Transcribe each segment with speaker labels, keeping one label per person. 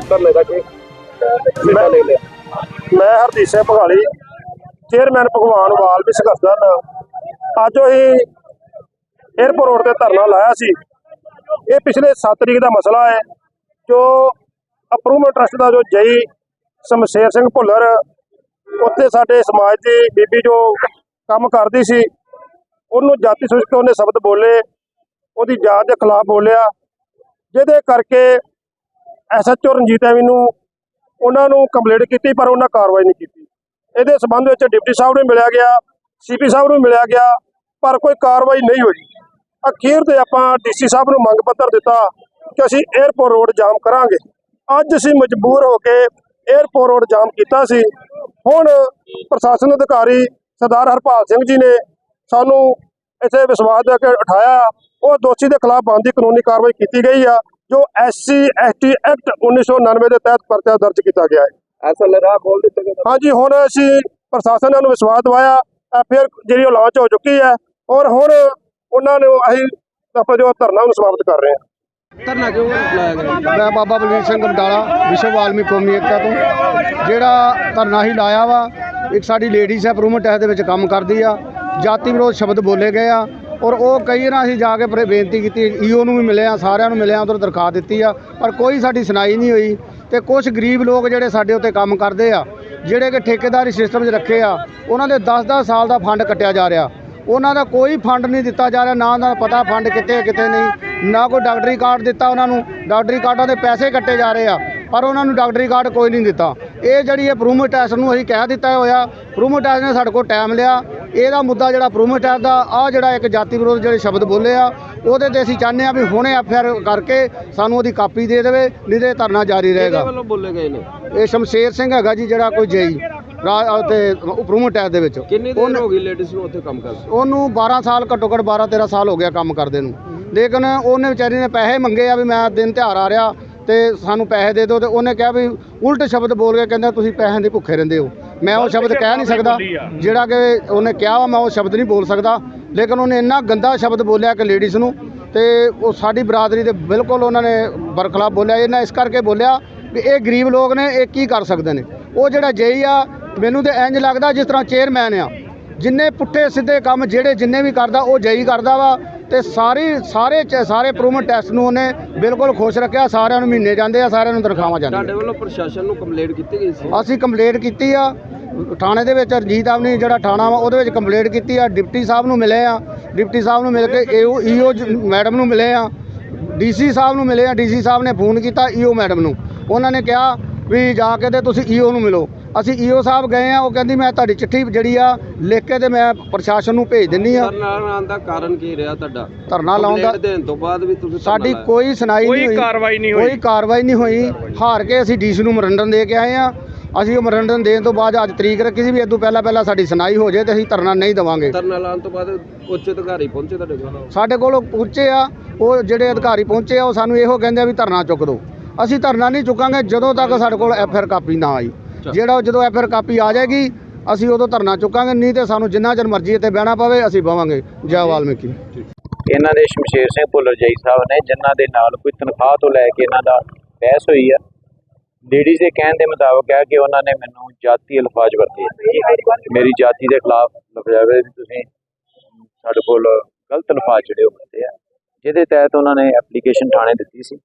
Speaker 1: धरने का कि हिस्सा ले लिया?
Speaker 2: मैं हरदीप सिंह भगाली चेयरमैन भगवान वाल भी संघर्ष दल अज अं एयरपोर्ट रोड से धरना लाया सी। ये पिछले 7 तरीक का मसला है जो अप्रूवमेंट ट्रस्ट का जो जई शमशेर सिंह भुल्लर उत्थे साडे समाज की बीबी जो काम करती सी उन्होंने जाति सूचक उन्हें शब्द बोले उसकी जात के खिलाफ बोलिया जिहदे करके SHO रंजीत एवेन्यू उन्होंने कंप्लेंट की पर उन्होंने कार्रवाई नहीं की। ये संबंध में डिप्टी साहब ने मिलिया गया, CP साहब ने मिलिया गया पर कोई कार्रवाई नहीं हुई। अखीर ते आपां DC साहब को मंग पत्र दिता कि असीं एयरपोर्ट रोड जाम करांगे। अज असीं मजबूर होकर एयरपोर्ट रोड जाम किया सी। हुण प्रशासन अधिकारी सरदार हरपाल सिंह जी ने सानू इत्थे विश्वास दे के उठाया और दोषी के खिलाफ बनती कानूनी कार्रवाई की गई है जो SC ST एक्ट 1999 के तहत परचा दर्ज किया गया है।
Speaker 1: ऐसा राह खोल दिते गए?
Speaker 2: हाँ जी, हुण असीं प्रशासन ने विश्वास दवाया, फिर जी लॉन्च हो चुकी है और हुण उन्होंने असीं अपना जो धरना समाप्त कर रहे हैं।
Speaker 1: धरना क्यों लाया गया?
Speaker 3: मैं बाबा बलवीर सिंह बमडाला विश्व वाल्मीकि कौमी एकता तो ਜਿਹੜਾ ਧਰਨਾ ਹੀ ਲਾਇਆ ਵਾ ਇੱਕ ਸਾਡੀ ਲੇਡੀਜ਼ ਹੈ ਅਪਰੂਵਮੈਂਟ ਐਕਟ ਦੇ ਵਿੱਚ ਕੰਮ ਕਰਦੀ ਆ। ਜਾਤੀ ਵਿਰੋਧ ਸ਼ਬਦ ਬੋਲੇ ਗਏ ਆ ਔਰ ਉਹ ਕਈ ਨਾ ਅਸੀਂ ਜਾ ਕੇ ਬੇਨਤੀ ਕੀਤੀ, EO ਨੂੰ ਵੀ ਮਿਲੇ ਆ, ਸਾਰਿਆਂ ਨੂੰ ਮਿਲਿਆ, ਉਧਰ ਦਰਖਾਸਤ ਦਿੱਤੀ ਆ ਪਰ ਕੋਈ ਸਾਡੀ ਸੁਣਾਈ ਨਹੀਂ ਹੋਈ। ਤੇ ਕੁਝ ਗਰੀਬ ਲੋਕ ਜਿਹੜੇ ਸਾਡੇ ਉੱਤੇ ਕੰਮ ਕਰਦੇ ਆ ਜਿਹੜੇ ਕਿ ਠੇਕੇਦਾਰੀ ਸਿਸਟਮ 'ਚ ਰੱਖੇ ਆ ਉਹਨਾਂ ਦੇ 10-10 ਸਾਲ ਦਾ ਫੰਡ ਕੱਟਿਆ ਜਾ ਰਿਹਾ। ਉਹਨਾਂ ਦਾ ਕੋਈ ਫੰਡ ਨਹੀਂ ਦਿੱਤਾ ਜਾ ਰਿਹਾ, ਨਾ ਉਹਨਾਂ ਦਾ ਪਤਾ ਫੰਡ ਕਿੱਥੇ ਕਿੱਥੇ ਨਹੀਂ, ਨਾ ਕੋਈ ਡਾਕਟਰੀ ਕਾਰਡ ਦਿੱਤਾ ਉਹਨਾਂ ਨੂੰ। ਡਾਕਟਰੀ ਕਾਰਡਾਂ ਦੇ ਪੈਸੇ ਕੱਟੇ ਜਾ ਰਹੇ ਆ ਪਰ ਉਹਨਾਂ ਨੂੰ ਡਾਕਟਰੀ ਕਾਰਡ ਕੋਈ ਨਹੀਂ ਦਿੱਤਾ। ਇਹ ਜਿਹੜੀ ਅਪਰੂਵਮੈਂਟ ਟੈਸਟ ਨੂੰ ਅਸੀਂ ਕਹਿ ਦਿੱਤਾ ਹੋਇਆ, ਅਪਰੂਵਮੈਂਟ ਟੈਸਟ ਨੇ ਸਾਡੇ ਕੋਲ ਟਾਈਮ ਲਿਆ। ਇਹਦਾ ਮੁੱਦਾ ਜਿਹੜਾ ਅਪਰੂਵਮੈਂਟ ਟੈਸਟ ਦਾ ਆ ਜਿਹੜਾ ਇੱਕ ਜਾਤੀ ਵਿਰੋਧ ਜਿਹੜੇ ਸ਼ਬਦ ਬੋਲੇ ਆ ਉਹਦੇ ਤੇ ਅਸੀਂ ਚਾਹੁੰਦੇ ਆ ਵੀ ਹੁਣੇ FIR ਕਰਕੇ ਸਾਨੂੰ ਉਹਦੀ ਕਾਪੀ ਦੇ ਦੇਵੇ, ਨਹੀਂ ਤੇ ਧਰਨਾ ਜਾਰੀ ਰਹੇਗਾ।
Speaker 1: ਵੱਲੋਂ ਬੋਲੇ ਗਏ ਨੇ?
Speaker 3: ਇਹ ਸ਼ਮਸ਼ੇਰ ਸਿੰਘ ਹੈਗਾ ਜੀ ਜਿਹੜਾ ਕੋਈ ਜੇਈ ਤੇ ਅਪਰੂਵਮੈਂਟ ਟੈਸਟ ਦੇ ਵਿੱਚ।
Speaker 1: ਕਿੰਨੀ ਦੇਰ ਹੋ ਗਈ ਲੇਡੀਜ਼ ਨੂੰ ਉੱਥੇ ਕੰਮ ਕਰਦੇ?
Speaker 3: ਉਹਨੂੰ 12 ਸਾਲ ਘੱਟੋ ਘੱਟ 12-13 ਸਾਲ ਹੋ ਗਿਆ ਕੰਮ ਕਰਦੇ ਨੂੰ। ਲੇਕਿਨ ਉਹਨੇ ਵਿਚਾਰੀ ਨੇ ਪੈਸੇ ਮੰਗੇ ਆ ਵੀ ਮੈਂ ਦਿਨ ਤਿਉਹਾਰ ਆ ਰਿਹਾ ਤੇ ਸਾਨੂੰ ਪੈਸੇ ਦੇ ਦਿਓ, ਤੇ ਉਹਨੇ ਕਿਹਾ ਵੀ ਉਲਟ ਸ਼ਬਦ ਬੋਲ ਕੇ ਕਹਿੰਦਾ ਤੁਸੀਂ ਪੈਸਿਆਂ ਦੇ ਭੁੱਖੇ ਰਹਿੰਦੇ ਹੋ। ਮੈਂ ਉਹ ਸ਼ਬਦ ਕਹਿ ਨਹੀਂ ਸਕਦਾ ਜਿਹੜਾ ਕਿ ਉਹਨੇ ਕਿਹਾ ਵਾ, ਮੈਂ ਉਹ ਸ਼ਬਦ ਨਹੀਂ ਬੋਲ ਸਕਦਾ। ਲੇਕਿਨ ਉਹਨੇ ਇੰਨਾ ਗੰਦਾ ਸ਼ਬਦ ਬੋਲਿਆ ਕਿ ਲੇਡੀਜ਼ ਨੂੰ, ਤੇ ਉਹ ਸਾਡੀ ਬਰਾਦਰੀ ਦੇ ਬਿਲਕੁਲ ਉਹਨਾਂ ਨੇ ਬਰਖਲਾਫ ਬੋਲਿਆ। ਇਹਨਾਂ ਇਸ ਕਰਕੇ ਬੋਲਿਆ ਵੀ ਇਹ ਗਰੀਬ ਲੋਕ ਨੇ, ਇਹ ਕੀ ਕਰ ਸਕਦੇ ਨੇ। ਉਹ ਜਿਹੜਾ ਜੇਈ ਆ ਮੈਨੂੰ ਤਾਂ ਇੰਜ ਲੱਗਦਾ ਜਿਸ ਤਰ੍ਹਾਂ ਚੇਅਰਮੈਨ ਆ, ਜਿੰਨੇ ਪੁੱਠੇ ਸਿੱਧੇ ਕੰਮ ਜਿਹੜੇ ਜਿੰਨੇ ਵੀ ਕਰਦਾ ਉਹ ਜੇਈ ਕਰਦਾ ਵਾ। ਤੇ ਸਾਰੇ ਅਪਰੂਵਮੈਂਟ ਟੈਸਟ ਨੂੰ ਉਹਨੇ ਬਿਲਕੁਲ ਖੁਸ਼ ਰੱਖਿਆ। ਸਾਰਿਆਂ ਨੂੰ ਮਹੀਨੇ ਜਾਂਦੇ ਆ, ਸਾਰਿਆਂ ਨੂੰ ਤਨਖਾਹਾਂ ਜਾਂਦੀਆਂ।
Speaker 1: ਤੁਹਾਡੇ ਵੱਲੋਂ ਪ੍ਰਸ਼ਾਸਨ ਨੂੰ ਕੰਪਲੇਂਟ ਕੀਤੀ ਗਈ ਸੀ?
Speaker 3: ਅਸੀਂ ਕੰਪਲੇਂਟ ਕੀਤੀ ਆ ਥਾਣੇ ਦੇ ਵਿੱਚ। ਰਣਜੀਤ ਆਵਨੀ ਜਿਹੜਾ ਥਾਣਾ ਵਾ ਉਹਦੇ ਵਿੱਚ ਕੰਪਲੇਂਟ ਕੀਤੀ ਆ। ਡਿਪਟੀ ਸਾਹਿਬ ਨੂੰ ਮਿਲੇ ਆ, ਡਿਪਟੀ ਸਾਹਿਬ ਨੂੰ ਮਿਲ ਕੇ EO ਮੈਡਮ ਨੂੰ ਮਿਲੇ ਆ, DC ਸਾਹਿਬ ਨੂੰ ਮਿਲੇ ਆ। DC ਸਾਹਿਬ ਨੇ ਫੋਨ ਕੀਤਾ EO ਮੈਡਮ ਨੂੰ, ਉਹਨਾਂ ਨੇ ਕਿਹਾ ਵੀ ਜਾ ਕੇ ਤੇ ਤੁਸੀਂ EO ਨੂੰ ਮਿਲੋ। ਅਸੀਂ EO ਸਾਹਿਬ ਗਏ ਆ, ਉਹ ਕਹਿੰਦੀ ਮੈਂ ਤੁਹਾਡੀ ਚਿੱਠੀ ਜਿਹੜੀ ਆ ਲਿਖ ਕੇ ਤੇ ਮੈਂ ਪ੍ਰਸ਼ਾਸਨ ਨੂੰ ਭੇਜ ਦਿੰਨੀ ਆ।
Speaker 1: ਧਰਨਾ ਲਾਉਣ ਦਾ ਕਾਰਨ ਕੀ ਰਿਹਾ ਤੁਹਾਡਾ?
Speaker 3: ਧਰਨਾ ਲਾਉਣ ਦਾ
Speaker 1: ਦੇਣ ਤੋਂ ਬਾਅਦ ਵੀ ਤੁਸੀਂ
Speaker 3: ਸਾਡੀ ਕੋਈ ਸੁਣਾਈ ਨਹੀਂ ਹੋਈ, ਕੋਈ ਕਾਰਵਾਈ ਨਹੀਂ ਹੋਈ। ਹਾਰ ਕੇ ਅਸੀਂ DC ਨੂੰ ਮੈਮੋਰੰਡਮ ਦੇ ਕੇ ਆਏ ਆ। ਅਸੀਂ ਉਹ ਮੈਮੋਰੰਡਮ ਦੇਣ ਤੋਂ ਬਾਅਦ ਅੱਜ ਤਰੀਕ ਰੱਖੀ ਸੀ ਵੀ ਇਦੋਂ ਪਹਿਲਾਂ ਸਾਡੀ ਸੁਣਾਈ ਹੋ ਜਾਏ ਤੇ ਅਸੀਂ ਧਰਨਾ ਨਹੀਂ ਦੇਵਾਂਗੇ।
Speaker 1: ਧਰਨਾ ਲਾਉਣ ਤੋਂ ਬਾਅਦ ਉੱਚ ਅਧਿਕਾਰੀ ਪਹੁੰਚੇ ਤੁਹਾਡੇ ਕੋਲ?
Speaker 3: ਸਾਡੇ ਕੋਲ ਪਹੁੰਚੇ ਆ, ਉਹ ਜਿਹੜੇ ਅਧਿਕਾਰੀ ਪਹੁੰਚੇ ਆ ਉਹ ਸਾਨੂੰ ਇਹੋ ਕਹਿੰਦੇ ਆ ਵੀ ਧਰਨਾ ਚੁੱਕ ਦਿਓ। ਅਸੀਂ ਧਰਨਾ ਨਹੀਂ ਚੁੱਕਾਂਗੇ ਜਦੋਂ ਤੱਕ ਸਾਡੇ ਕੋਲ FIR ਕਾਪੀ ਨਾ ਆਈ। ਜਦੋਂ FIR ਕਾਪੀ ਆ ਜਾਏਗੀ ਅਸੀਂ ਉਦੋਂ ਧਰਨਾ ਚੁੱਕਾਂਗੇ, ਨਹੀਂ ਤੇ ਸਾਨੂੰ ਜਿੰਨਾ ਚਿਰ ਮਰਜ਼ੀ ਇੱਥੇ ਬਹਿਣਾ ਪਵੇ ਅਸੀਂ ਬਵਾਂਗੇ। ਜੈ ਵਾਲਮੀਕੀ।
Speaker 4: ਇਹਨਾਂ ਦੇ ਸ਼ਮਸ਼ੇਰ ਸਿੰਘ ਭੁੱਲਰ ਜਈ ਸਾਹਿਬ ਨੇ ਜਿਨ੍ਹਾਂ ਦੇ ਨਾਲ ਕੋਈ ਤਨਖਾਹ ਤੋਂ ਲੈ ਕੇ ਇਹਨਾਂ ਦਾ ਬਹਿਸ ਹੋਈ ਆ। ਲੇਡੀਜ਼ ਦੇ ਕਹਿਣ ਦੇ ਮੁਤਾਬਕ ਹੈ ਕਿ ਉਹਨਾਂ ਨੇ ਮੈਨੂੰ ਜਾਤੀ ਅਲਫਾਜ਼ ਵਰਤੇ, ਮੇਰੀ ਜਾਤੀ ਦੇ ਖਿਲਾਫ ਲਫ਼ਜ਼ਾਵੇ ਵੀ ਤੁਸੀਂ ਸਾਡੇ ਕੋਲ ਗਲਤ ਅਲਫਾਜ਼ ਜਿਹੜੇ ਉਹ ਵਰਤੇ ਆ, ਜਿਹਦੇ ਤਹਿਤ ਉਹਨਾਂ ਨੇ ਐਪਲੀਕੇਸ਼ਨ ਥਾਣੇ ਦਿੱਤੀ ਸੀ।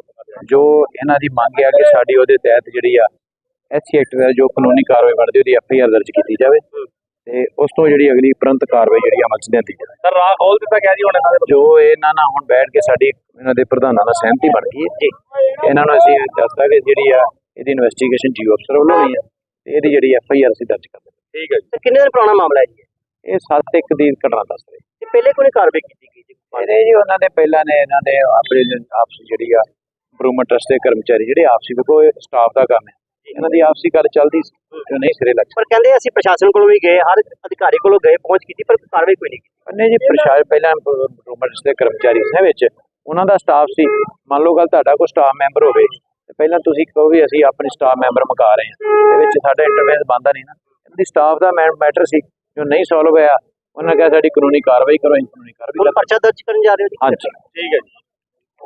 Speaker 4: ਜੋ ਇਹਨਾਂ ਦੀ ਮੰਗ ਹੈ ਕਿ ਸਾਡੀ ਉਹਦੇ ਤਹਿਤ ਜਿਹੜੀ ਆ SC ਐਕਟ ਦਾ ਜੋ ਕਾਨੂੰਨੀ ਕਾਰਵਾਈ ਬਣਦੀ ਉਹਦੀ FIR ਦਰਜ ਕੀਤੀ ਜਾਵੇ ਤੇ ਉਸ ਤੋਂ ਜਿਹੜੀ ਅਗਲੀ ਤੁਰੰਤ ਕਾਰਵਾਈ ਜਿਹੜੀ ਅਮਲ 'ਚ ਲਿਆਂਦੀ ਜਾਵੇ।
Speaker 1: ਸਰ ਰਾਹ ਖੋਲ ਦਿੱਤਾ ਗਿਆ ਜੀ ਹੁਣ ਇਹਨਾਂ ਦੇ?
Speaker 4: ਜੋ ਇਹਨਾਂ ਨਾਲ ਹੁਣ ਬੈਠ ਕੇ ਸਾਡੀ ਇਹਨਾਂ ਦੇ ਪ੍ਰਧਾਨਾਂ ਨਾਲ ਸਹਿਮਤੀ ਬਣ ਗਈ ਹੈ ਜੀ। ਇਹਨਾਂ ਨੂੰ ਅਸੀਂ ਦੱਸਦਾ ਕਿ ਜਿਹੜੀ ਆ ਇਹਦੀ ਇਨਵੈਸਟੀਗੇਸ਼ਨ GO ਅਫਸਰ ਵੱਲੋਂ ਹੋਈ ਹੈ ਤੇ ਇਹਦੀ ਜਿਹੜੀ FIR ਅਸੀਂ ਦਰਜ ਕਰ ਦਿੱਤੀ।
Speaker 1: ਠੀਕ ਹੈ ਜੀ। ਕਿੰਨੇ ਦਿਨ ਪੁਰਾਣਾ ਮਾਮਲਾ ਹੈ ਜੀ
Speaker 4: ਇਹ 7/1 ਦੀ ਘਟਨਾ ਦੱਸ ਰਹੀ।
Speaker 1: ਤੇ ਪਹਿਲੇ ਕੋਈ ਕਾਰਵਾਈ ਕੀਤੀ ਗਈ ਜੀ?
Speaker 4: ਇਹਦੇ ਜੀ ਉਹਨਾਂ ਦੇ ਪਹਿਲਾਂ ਨੇ ਇਹਨਾਂ ਦੇ ਆਪਣੇ ਆਪਸੀ ਜਿਹੜੀ ਆ ਇੰਪਰੂਵਮੈਂਟ ਟਰਸਟ ਦੇ ਕਰਮਚਾਰੀ ਜਿਹੜੇ ਆਪਸੀ ਵੇਖੋ ਸਟਾਫ ਦਾ ਕੰਮ ਹੈ, ਇਹਨਾਂ ਦੀ ਆਪਸੀ ਗੱਲ ਚੱਲਦੀ ਸੀ ਜੋ ਨਹੀਂ ਸਿਰੇ ਲੱਗ।
Speaker 1: ਪਰ ਕਹਿੰਦੇ ਅਸੀਂ ਪ੍ਰਸ਼ਾਸਨ ਕੋਲੋਂ ਵੀ ਗਏ, ਹਰ ਅਧਿਕਾਰੀ ਕੋਲੋਂ ਗਏ, ਪਹੁੰਚ ਕੀਤੀ ਪਰ ਕਾਰਵਾਈ ਕੋਈ ਨਹੀਂ ਕੀਤੀ।
Speaker 4: ਨਹੀਂ ਜੀ, ਪ੍ਰਸ਼ਾਸਨ ਪਹਿਲਾਂ ਇੰਪਰੂਵਮੈਂਟ ਦੇ ਕਰਮਚਾਰੀ ਸੀ ਵਿੱਚ ਉਹਨਾਂ ਦਾ ਸਟਾਫ ਸੀ। ਮੰਨ ਲਓ ਗੱਲ ਤੁਹਾਡਾ ਕੋਈ ਸਟਾਫ ਮੈਂਬਰ ਹੋਵੇ ਤੇ ਪਹਿਲਾਂ ਤੁਸੀਂ ਕਹੋ ਵੀ ਅਸੀਂ ਆਪਣੇ ਸਟਾਫ ਮੈਂਬਰ ਮੁਕਾ ਰਹੇ ਹਾਂ, ਇਹਦੇ ਵਿੱਚ ਸਾਡਾ ਇੰਟਰਫੇਰੈਂਸ ਬਣਦਾ ਨਹੀਂ ਨਾ। ਇਹਦੀ ਸਟਾਫ ਦਾ ਮੈਟਰ ਸੀ ਜੋ ਨਹੀਂ ਸੋਲਵ ਹੋਇਆ, ਉਹਨਾਂ ਕਿਹਾ ਸਾਡੀ ਕਾਨੂੰਨੀ ਕਾਰਵਾਈ ਕਰੋ। ਕਾਨੂੰਨੀ ਕਾਰਵਾਈ
Speaker 1: ਪਰਚਾ ਦਰਜ ਕਰਨ ਜਾ ਰਹੇ ਹੋ ਜੀ?
Speaker 4: ਹਾਂਜੀ,
Speaker 1: ਠੀਕ ਹੈ ਜੀ।